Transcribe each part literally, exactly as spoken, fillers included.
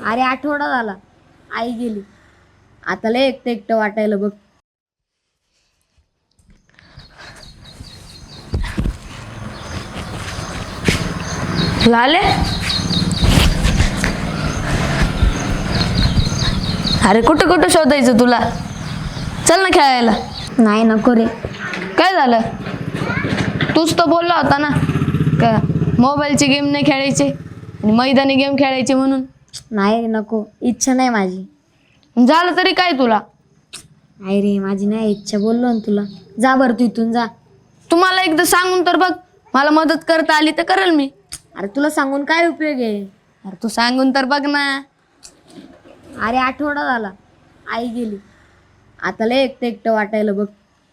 अरे आठवडा झाला आई गेली. आता लय एकटं एकटं वाटायला बघ. लाले, अरे कुठं कुठं शोधायचं तुला? चल ना खेळायला. नाही नको रे. काय झालं? तूच तर बोलला होता ना का मोबाईलचे गेम नाही खेळायचे आणि मैदानी गेम खेळायचे म्हणून. नाही रे नको, इच्छा नाही माझी. झालं तरी काय तुला? नाही रे माझी नाही इच्छा, बोललो ना तुला. जा बरं तू इथून जा. तुम्हाला एकदा सांगून तर बघ, मला मदत करता आली तर करेल मी. अरे तुला सांगून काय उपयोग आहे? अरे तू सांगून तर बघ ना. अरे आठवडा झाला आई गेली. आता लय एकटं एकटं वाटायला बघ.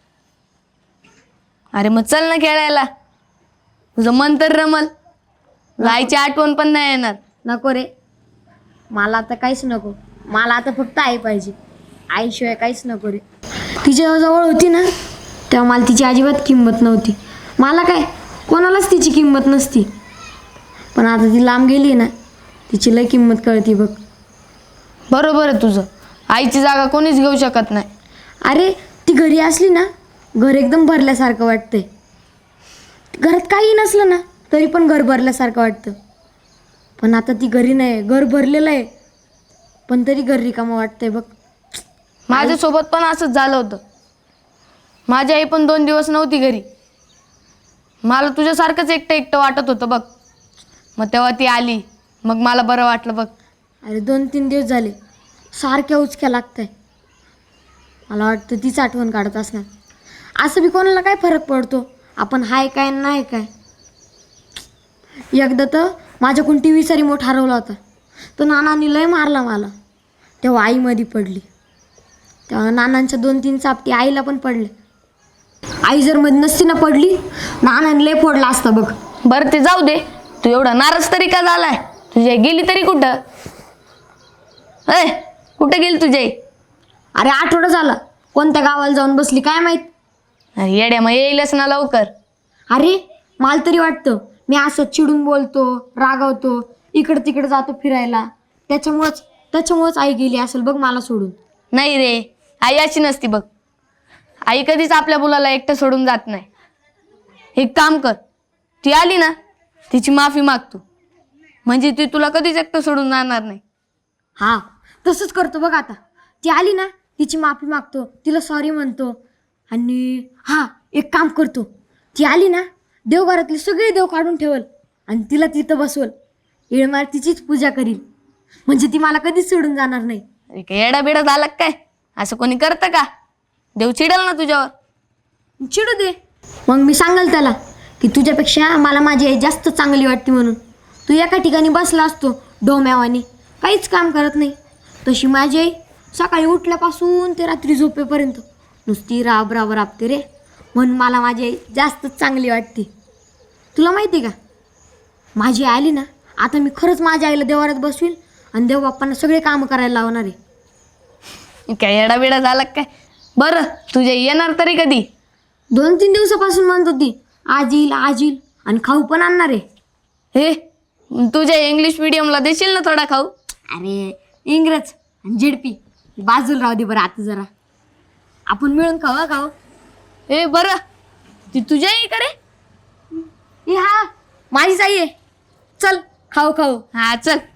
अरे मग चल ना खेळायला, तुझं मन तर रमल. आईची आठवण पण नाही येणार. नको रे, मला आता काहीच नको. मला आता फक्त आई पाहिजे. आईशिवाय काहीच नको रे. तिच्या जवळ होती ना तेव्हा मला तिची अजिबात किंमत नव्हती. मला काय कोणालाच तिची किंमत नसती. पण आता ती लांब गेली ना, तिची लय किंमत कळती बघ. बरोबर आहे तुझं, आईची जागा कोणीच घेऊ शकत नाही. अरे ती घरी असली ना, घर एकदम भरल्यासारखं वाटतंय. घरात काही नसलं ना तरी पण घर भरल्यासारखं वाटतं. पण आता ती घरी नाही, घर भरलेलं आहे पण तरी घर रिकामं वाटतंय बघ. माझ्यासोबत पण असंच झालं होतं. माझी आई पण दोन दिवस नव्हती घरी. मला तुझ्यासारखंच एकटं एकटं वाटत होतं बघ. मग तेव्हा ती आली, मग मला बरं वाटलं बघ. अरे दोन तीन दिवस झाले सारख्या उचक्या लागतंय. मला वाटतं तीच आठवण काढत असणार. असं बी कोणाला काय फरक पडतो आपण हाय काय नाही काय. एकदा तर माझ्याकडून टी व्हीचा रिमोट हरवला होता. तो नानांनी लय मारला मला. तेव्हा आई मध्ये पडली. तेव्हा नानांच्या दोन तीन चापटी आईला पण पडले. आई जर मध्ये नसती ना पडली, नानांनी लय फोडला असता बघ. बरं ते जाऊ दे, तू एवढा नाराज तरी का झालाय? तुझी आई गेली तरी कुठं? अय कुठं गेली तुझी आई? अरे आठवडा झाला, कोणत्या गावाला जाऊन बसली काय माहीत. अरे येड्या, मग येईलच ना लवकर. अरे मला तरी वाटतं मी असं चिडून बोलतो, रागवतो, इकडं तिकडं जातो फिरायला, त्याच्यामुळंच त्याच्यामुळंच आई गेली असेल बघ मला सोडून. नाही रे, आई अशी नसती बघ. आई कधीच आपल्या मुलाला एकटं सोडून जात नाही. एक काम कर, ती आली ना तिची माफी माग तू, म्हणजे ती तुला कधीच एकटं सोडून जाणार नाही. हां तसंच करतो बघ. आता ती आली ना तिची माफी मागतो, तिला सॉरी म्हणतो. आणि हां एक काम करतो, ती आली ना देवघरातले सगळे देव काढून ठेवल आणि तिला तिथं बसवल. येळमार तिचीच पूजा करील, म्हणजे ती मला कधीच सोडून जाणार नाही. अरे काय येडा बिडा झाला काय? असं कोणी करतं का? देव चिडल ना तुझ्यावर. चिडू दे, मग मी सांगाल त्याला की तुझ्यापेक्षा मला माझी आई जास्त चांगली वाटते म्हणून. तू एका ठिकाणी बसला असतो डोम्यावानी, काहीच काम करत नाही. तशी माझी आई सकाळी उठल्यापासून ते रात्री झोपेपर्यंत नुसती राब राब राबते रे. म्हणून मला माझी आई जास्तच चांगली वाटते. तुला माहिती आहे का, माझी आई आली ना आता मी खरंच माझ्या आईला देवारात बसवील आणि देवबाप्पांना सगळे कामं करायला लावणार आहे. काय येडा बिडा झाला काय? बरं तुझ्या येणार तरी कधी? दोन तीन दिवसापासून म्हणत होती आज येईल आज येईल, आणि खाऊ पण आणणार आहे. हे तुझ्या इंग्लिश मिडियमला देशील ना थोडा खाऊ? अरे इंग्रज आणि झेडपी बाजूला राहू दे बरं. आता जरा आपण मिळून खाऊ हा खाऊ. हे बरं, ती तुझ्या आई का रे? ए हा माझीच आई आहे. चल खाऊ खाऊ. हा चल.